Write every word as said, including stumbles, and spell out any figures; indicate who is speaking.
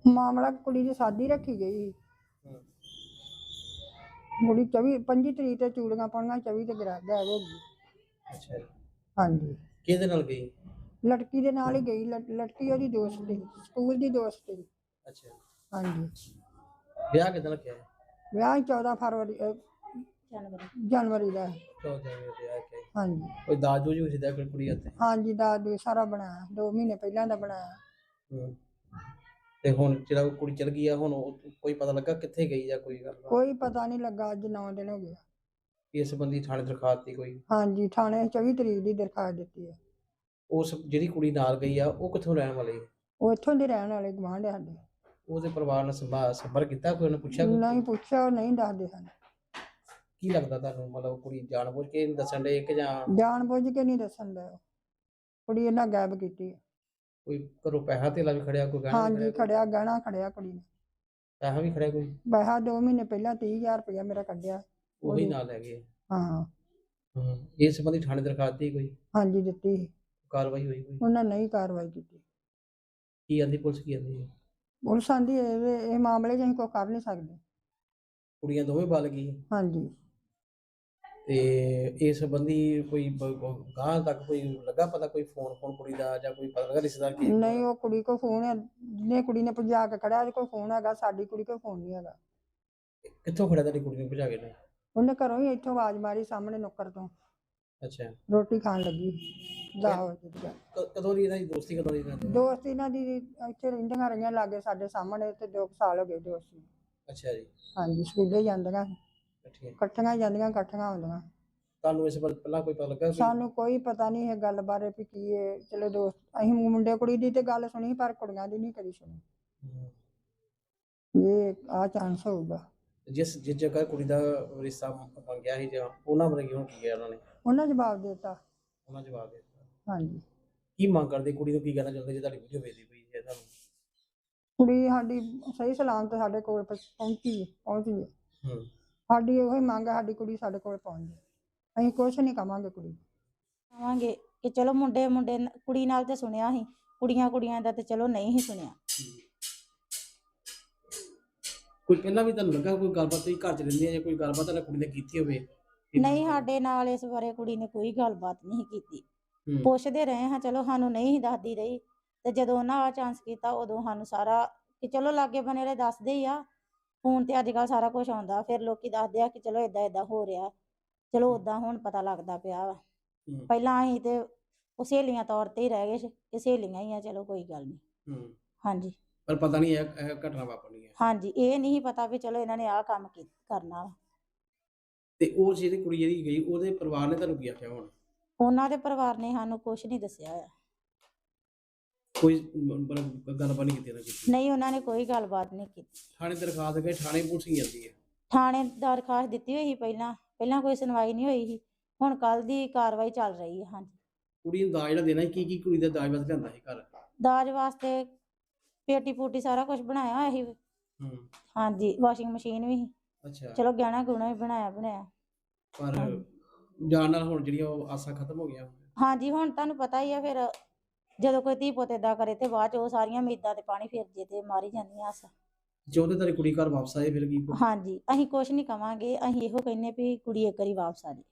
Speaker 1: ਮਾਮਲਾ ਕੁੜੀ ਦੀ ਸ਼ਾਦੀ ਰੱਖੀ ਗਈ। ਕੁੜੀ ਚੌਵੀ ਪੰਜੀ ਤਰੀਕ ਤੇ ਚੂੜੀਆਂ ਪਾਉਣੀਆਂ, ਚੌਵੀ ਤੇ ਗਰਾ ਗਾਇਬ ਹੋ ਗਈ।
Speaker 2: ਅੱਛਾ ਜੀ।
Speaker 1: ਹਾਂਜੀ।
Speaker 2: ਕਿਹਦੇ ਨਾਲ ਗਈ?
Speaker 1: ਲੜਕੀ ਦੇ ਨਾਲ ਹੀ ਗਈ। ਲੜਕੀ ਉਹਦੀ ਦੋਸਤ ਸੀ, ਸਕੂਲ ਦੀ ਦੋਸਤ ਸੀ।
Speaker 2: ਅੱਛਾ।
Speaker 1: ਹਾਂਜੀ।
Speaker 2: ਵਿਆਹ ਕਿਦਾਂ ਰੱਖਿਆ?
Speaker 1: ਵਿਆਹ ਚੌਦਾਂ ਫਰਵਰੀ ਜਨਵਰੀ ਦਾ। ਹਾਂਜੀ।
Speaker 2: ਕੋਈ ਦਾਜ ਦੂਜ ਵੀ ਦਿੱਤਾ ਫਿਰ ਕੁੜੀ ਹੱਥੇ?
Speaker 1: ਹਾਂਜੀ, ਦਾਜ ਦੂਜ ਸਾਰਾ ਬਣਾਇਆ, ਦੋ ਮਹੀਨੇ ਪਹਿਲਾਂ ਦਾ ਬਣਾਇਆ।
Speaker 2: ਹੂੰ। ਤੇ ਹੁਣ ਜਿਹੜਾ ਕੁੜੀ ਚਲ ਗਈ ਆ, ਹੁਣ ਕੋਈ ਪਤਾ ਲੱਗਾ ਕਿੱਥੇ ਗਈ ਜਾਂ ਕੋਈ ਗੱਲ?
Speaker 1: ਕੋਈ ਪਤਾ ਨਹੀਂ ਲੱਗਾ, ਅੱਜ ਨੌ ਦਿਨ ਹੋ ਗਏ।
Speaker 2: ਇਸ ਸੰਬੰਧੀ ਥਾਣੇ ਦਰਖਾਸਤ ਦਿੱਤੀ ਕੋਈ? ਹਾਂਜੀ,
Speaker 1: ਥਾਣੇ ਚੌਵੀ ਤਰੀਕ ਦੀ ਦਰਖਾਸਤ ਦਿੱਤੀ ਹੈ।
Speaker 2: ਉਸ ਜਿਹੜੀ ਕੁੜੀ ਨਾਲ ਗਈ ਆ ਉਹ ਕਿੱਥੋਂ ਰਹਿਣ ਵਾਲੀ ਹੈ?
Speaker 1: ਉਹ ਇੱਥੋਂ ਦੇ ਰਹਿਣ ਵਾਲੇ, ਗੁਆਂਢ ਸਾਡੇ।
Speaker 2: ਉਹਦੇ ਪਰਿਵਾਰ ਨਾਲ ਸੰਪਰਕ ਕੀਤਾ ਕੋਈ? ਉਹਨੇ ਪੁੱਛਿਆ?
Speaker 1: ਨਹੀਂ ਪੁੱਛਿਆ, ਉਹ ਨਹੀਂ ਦੱਸਦੇ ਹਨ।
Speaker 2: ਕੀ ਲੱਗਦਾ ਤੁਹਾਨੂੰ, ਮਤਲਬ ਕੁੜੀ ਜਾਣਬੁੱਝ ਕੇ ਨਹੀਂ ਦੱਸਣ ਦੇ ਕਿ ਜਾਂ?
Speaker 1: ਜਾਣਬੁੱਝ ਕੇ ਨਹੀਂ ਦੱਸਣ ਦਾ, ਕੁੜੀ ਇਹਨਾਂ ਗਾਇਬ ਕੀਤੀ।
Speaker 2: ਕੋਈ ਘਰੋਂ ਪੈਸਾ ਧੇਲਾ ਵੀ ਖੜਿਆ? ਕੋਈ ਗਹਿਣਾ?
Speaker 1: ਹਾਂਜੀ ਖੜਿਆ, ਗਹਿਣਾ ਖੜਿਆ ਕੁੜੀ ਨੇ।
Speaker 2: ਪੈਸਾ ਵੀ ਖੜਿਆ ਕੋਈ?
Speaker 1: ਪੈਸਾ ਦੋ ਮਹੀਨੇ ਪਹਿਲਾਂ ਤੀਹ ਹਜ਼ਾਰ ਰੁਪਇਆ ਮੇਰਾ ਕੱਢਿਆ,
Speaker 2: ਉਹੀ ਨਾਲ ਲੈ ਗਏ?
Speaker 1: ਹਾਂ।
Speaker 2: ਹੂੰ। ਇਸ ਸੰਬੰਧੀ ਥਾਣੇ ਦਰਖਾਸਤ ਦਿੱਤੀ ਕੋਈ?
Speaker 1: ਹਾਂਜੀ ਦਿੱਤੀ।
Speaker 2: ਕਾਰਵਾਈ ਹੋਈ ਕੋਈ?
Speaker 1: ਉਹਨਾਂ ਨਹੀਂ ਕਾਰਵਾਈ ਕੀਤੀ।
Speaker 2: ਕੀ ਆਂਦੀ ਪੁਲਿਸ? ਕੀ ਆਂਦੀ?
Speaker 1: ਪੁਲਿਸ ਆਂਦੀ ਇਹ ਮਾਮਲੇ 'ਚ ਅਸੀਂ ਕੋਈ ਕਰ ਨਹੀਂ ਸਕਦੇ।
Speaker 2: ਕੁੜੀਆਂ ਦੋਵੇਂ ਬਲ ਗਈ?
Speaker 1: ਹਾਂਜੀ। ਤੇ
Speaker 2: ਇਸ ਸੰਬੰਧੀ ਕੋਈ ਗਾਂ ਤੱਕ ਕੋਈ ਲੱਗਾ ਪਤਾ, ਕੋਈ ਫੋਨ ਫੋਨ ਕੁੜੀ ਦਾ ਜਾਂ ਕੋਈ ਪਤਾ ਲੱਗਾ ਰਿਸ਼ਤੇਦਾਰ?
Speaker 1: ਨਹੀਂ, ਉਹ ਕੁੜੀ ਕੋਲ ਫੋਨ ਹੈ, ਜਿਹਨੇ ਕੁੜੀ ਨੇ ਭਜਾ ਕੇ ਖੜਿਆ ਉਹਦੇ ਕੋਲ ਫੋਨ ਹੈਗਾ, ਸਾਡੀ ਕੁੜੀ ਕੋਲ ਫੋਨ ਨਹੀਂ ਹੈਗਾ।
Speaker 2: ਕਿੱਥੋਂ ਖੜਿਆ ਤੁਹਾਡੀ ਕੁੜੀ ਨੂੰ ਭਜਾ ਕੇ ਨੇ?
Speaker 1: ਉਹਨੇ ਘਰੋਂ ਹੀ ਇੱਥੋਂ ਆਵਾਜ਼ ਮਾਰੀ, ਸਾਹਮਣੇ ਨੁੱਕਰ ਤੋਂ।
Speaker 2: ਅੱਛਾ।
Speaker 1: ਰੋਟੀ ਖਾਣ ਲੱਗੀ।
Speaker 2: ਕਦੋਂ ਦੀ ਇਹਨਾਂ ਦੀ ਦੋਸਤੀ? ਕਦੋਂ ਦੀ?
Speaker 1: ਦੋਸਤੀ ਇਹਨਾਂ ਦੀ ਇੱਥੇ ਰਹਿੰਦੀਆਂ ਰਹੀਆਂ ਲਾਗੇ ਸਾਡੇ ਸਾਹਮਣੇ, ਤੇ ਦੋ ਸਾਲ ਹੋ ਗਏ ਦੋਸਤੀ।
Speaker 2: ਅੱਛਾ ਜੀ।
Speaker 1: ਹਾਂਜੀ, ਸਕੂਲੇ ਜਾਂਦੀਆਂ ਇਕੱਠੀਆਂ ਜਾਂਦੀਆਂ, ਇਕੱਠੀਆਂ ਆਉਂਦੀਆਂ।
Speaker 2: ਤੁਹਾਨੂੰ ਇਸ ਬਾਰੇ ਪਹਿਲਾਂ ਕੋਈ ਪਤਾ ਲੱਗਾ?
Speaker 1: ਸਾਨੂੰ ਕੋਈ ਪਤਾ ਨਹੀਂ ਇਹ ਗੱਲ ਬਾਰੇ ਵੀ ਕੀ ਹੈ। ਚਲੋ ਦੋਸਤ, ਅਸੀਂ ਮੁੰਡੇ ਕੁੜੀ ਦੀ ਤੇ ਗੱਲ ਸੁਣੀ, ਪਰ ਕੁੜੀਆਂ ਦੀ ਨਹੀਂ ਕਦੀ ਸੁਣੀ। ਇਹ ਆਹ ਚਾਂਸ ਹੋਊਗਾ।
Speaker 2: ਜਿਸ ਜਿਸ ਜਗ੍ਹਾ ਕੁੜੀ ਦਾ ਰਿਸ਼ਤਾ ਮੰਗਿਆ ਸੀ ਜਾਂ ਉਹਨਾਂ ਬਾਰੇ ਕਿਉਂ ਕੀ ਗਿਆ ਉਹਨਾਂ ਨੇ?
Speaker 1: ਉਹਨਾਂ ਜਵਾਬ ਦੇ ਦਿੱਤਾ।
Speaker 2: ਉਹਨਾਂ ਜਵਾਬ ਦੇ ਦਿੱਤਾ?
Speaker 1: ਹਾਂਜੀ।
Speaker 2: ਕੀ ਮੰਗ ਕਰਦੇ? ਕੁੜੀ ਨੂੰ ਕੀ ਕਹਿਣਾ ਚਾਹੁੰਦੇ ਜੇ ਤੁਹਾਡੀ ਵੀਡੀਓ ਵੇਖਦੀ ਪਈ ਹੈ ਤੁਹਾਨੂੰ?
Speaker 1: ਕੁੜੀ ਸਾਡੀ ਸਹੀ ਸਲਾਮਤ ਸਾਡੇ ਕੋਲ ਪਹੁੰਚੀ ਪਹੁੰਚੀ ਹੈ।
Speaker 2: ਹੂੰ।
Speaker 1: ਸਾਡੀ ਉਹੀ ਮੰਗ ਹੈ, ਸਾਡੀ ਕੁੜੀ ਸਾਡੇ ਕੋਲ ਪਹੁੰਚ ਜਾਏ। ਅਸੀਂ ਕੁਛ ਨਹੀਂ ਕਵਾਂਗੇ ਕੁੜੀ
Speaker 3: ਕਵਾਂਗੇ ਕਿ ਚਲੋ ਮੁੰਡੇ ਮੁੰਡੇ ਕੁੜੀ ਨਾਲ ਤੇ ਸੁਣਿਆ ਸੀ, ਕੁੜੀਆਂ ਕੁੜੀਆਂ ਦਾ ਤੇ ਚਲੋ ਨਹੀਂ ਹੀ ਸੁਣਿਆ।
Speaker 2: ਕੋਈ ਪਹਿਲਾਂ ਵੀ ਤੁਹਾਨੂੰ ਲੱਗਾ ਕੋਈ ਗੱਲਬਾਤ? ਤੁਸੀਂ ਘਰ ਚ ਰਹਿੰਦੇ ਆ ਜਾਂ ਕੋਈ ਗੱਲਬਾਤ ਤੁਹਾਡੀ ਕੁੜੀ ਨੇ ਕੀਤੀ ਹੋਵੇ?
Speaker 3: ਨਹੀਂ, ਸਾਡੇ ਨਾਲ ਇਸ ਬਾਰੇ ਕੁੜੀ ਨੇ ਕੋਈ ਗੱਲਬਾਤ ਨਹੀਂ ਕੀਤੀ। ਪੁੱਛਦੇ ਰਹੇ ਹਾਂ, ਚਲੋ ਸਾਨੂੰ ਨਹੀਂ ਦੱਸਦੀ ਰਹੀ, ਤੇ ਜਦੋਂ ਉਹਨਾਂ ਆ ਚਾਂਸ ਕੀਤਾ ਉਦੋਂ ਸਾਨੂੰ ਸਾਰਾ ਕਿ ਚਲੋ ਲਾਗੇ ਬਣੇ ਵਾਲੇ ਦੱਸਦੇ ਹੀ ਆ। ਫੋਨ ਤੇ ਅੱਜ ਕੱਲ੍ਹ ਸਾਰਾ ਕੁਝ ਆਉਂਦਾ, ਫਿਰ ਲੋਕੀ ਦੱਸਦੇ ਆ ਕਿ ਚਲੋ ਏਦਾਂ ਏਦਾਂ ਹੋ ਰਿਹਾ। ਚਲੋ ਓਦਾਂ ਹੁਣ ਪਤਾ ਲੱਗਦਾ ਪਿਆ ਵਾ। ਪਹਿਲਾਂ ਅਸੀਂ ਤੇ ਉਹ ਸਹੇਲੀਆਂ ਤੌਰ ਤੇ ਹੀ ਰਹਿ ਗਏ ਕਿ ਸਹੇਲੀਆਂ ਹੀ ਆ, ਚਲੋ ਕੋਈ ਗੱਲ ਨਹੀਂ। ਹਾਂਜੀ।
Speaker 2: ਪਰ ਪਤਾ ਨਹੀਂ ਇਹ ਘਟਨਾ ਵਾਪਰਨੀ ਹੈ।
Speaker 3: ਹਾਂਜੀ, ਇਹ ਨਹੀਂ ਪਤਾ ਵੀ ਚਲੋ ਇਹਨਾਂ ਨੇ ਆਹ ਕੰਮ ਕਰਨਾ ਵਾ। ਤੇ
Speaker 2: ਉਹ ਜਿਹੜੀ ਕੁੜੀ ਜਿਹੜੀ ਗਈ ਉਹਦੇ ਪਰਿਵਾਰ ਨੇ ਤੁਹਾਨੂੰ ਕੀ ਆਖਿਆ? ਹੁਣ
Speaker 3: ਉਹਨਾਂ ਦੇ ਪਰਿਵਾਰ ਨੇ ਸਾਨੂੰ ਕੁਛ ਨਹੀਂ ਦੱਸਿਆ ਹੋਇਆ।
Speaker 2: ਕੋਈ ਗੱਲਬਾਤ ਨਹੀਂ ਕੀਤੀ?
Speaker 3: ਨਹੀਂ, ਉਹਨਾਂ ਨੇ ਕੋਈ ਗੱਲਬਾਤ ਨਹੀਂ ਕੀਤੀ।
Speaker 2: ਥਾਣੇ ਦਰਖਾਸਤ ਗਏ? ਥਾਣੇ ਪੁਲਿਸ ਹੀ ਜਾਂਦੀ ਹੈ?
Speaker 3: ਥਾਣੇ ਦਰਖਾਸਤ ਦਿੱਤੀ ਹੋਈ ਸੀ ਪਹਿਲਾਂ, ਪਹਿਲਾਂ ਕੋਈ ਸੁਣਵਾਈ ਨਹੀਂ ਹੋਈ ਸੀ। ਹੁਣ ਕੱਲ ਦੀ ਕਾਰਵਾਈ ਚੱਲ ਰਹੀ ਹੈ। ਹਾਂਜੀ।
Speaker 2: ਕੁੜੀ ਨੂੰ ਦਾਜ ਜਿਹੜਾ ਦੇਣਾ, ਕੀ ਕੀ ਕੁੜੀ ਦਾ ਦਾਜ ਵਾਸਤੇ ਲਿਆਂਦਾ ਸੀ ਘਰ?
Speaker 3: ਦਾਜ ਵਾਸਤੇ ਪੇਟੀ ਪੂਟੀ ਸਾਰਾ ਕੁਝ ਬਣਾਇਆ ਹੋਇਆ ਸੀ।
Speaker 2: ਹੂੰ। ਹਾਂਜੀ,
Speaker 3: ਵਾਸ਼ਿੰਗ ਮਸ਼ੀਨ ਵੀ ਸੀ।
Speaker 2: ਅੱਛਾ।
Speaker 3: ਚਲੋ ਗਹਿਣਾ ਗੁਣਾ ਵੀ ਬਣਾਇਆ ਬਣਾਇਆ।
Speaker 2: ਪਰ ਜਾਣ ਨਾਲ ਹੁਣ ਜਿਹੜੀਆਂ ਉਹ ਆਸਾਂ ਖਤਮ ਹੋ ਗਈਆਂ?
Speaker 3: ਹਾਂਜੀ, ਹੁਣ ਤੁਹਾਨੂੰ ਪਤਾ ਹੀ ਆ, ਫਿਰ ਜਦੋਂ ਕੋਈ ਧੀ ਪੁੱਤ ਏਦਾਂ ਕਰੇ ਤੇ ਬਾਅਦ ਚ ਉਹ ਸਾਰੀਆਂ ਉਮੀਦਾਂ ਤੇ ਪਾਣੀ ਫਿਰ ਜੇ ਤੇ ਮਾਰੀ ਜਾਂਦੀਆਂ ਆਸਾਂ।
Speaker 2: ਚਾਹੁੰਦੇ ਤੇਰੀ ਕੁੜੀ ਘਰ ਵਾਪਸ ਆਏ ਫਿਰ ਕੀ?
Speaker 3: ਹਾਂਜੀ, ਅਸੀਂ ਕੁਛ ਨਹੀਂ ਕਵਾਂਗੇ, ਅਸੀਂ ਇਹੋ ਕਹਿੰਦੇ ਵੀ ਕੁੜੀ ਇੱਕ ਵਾਰੀ ਵਾਪਸ ਆ ਜਾਏ।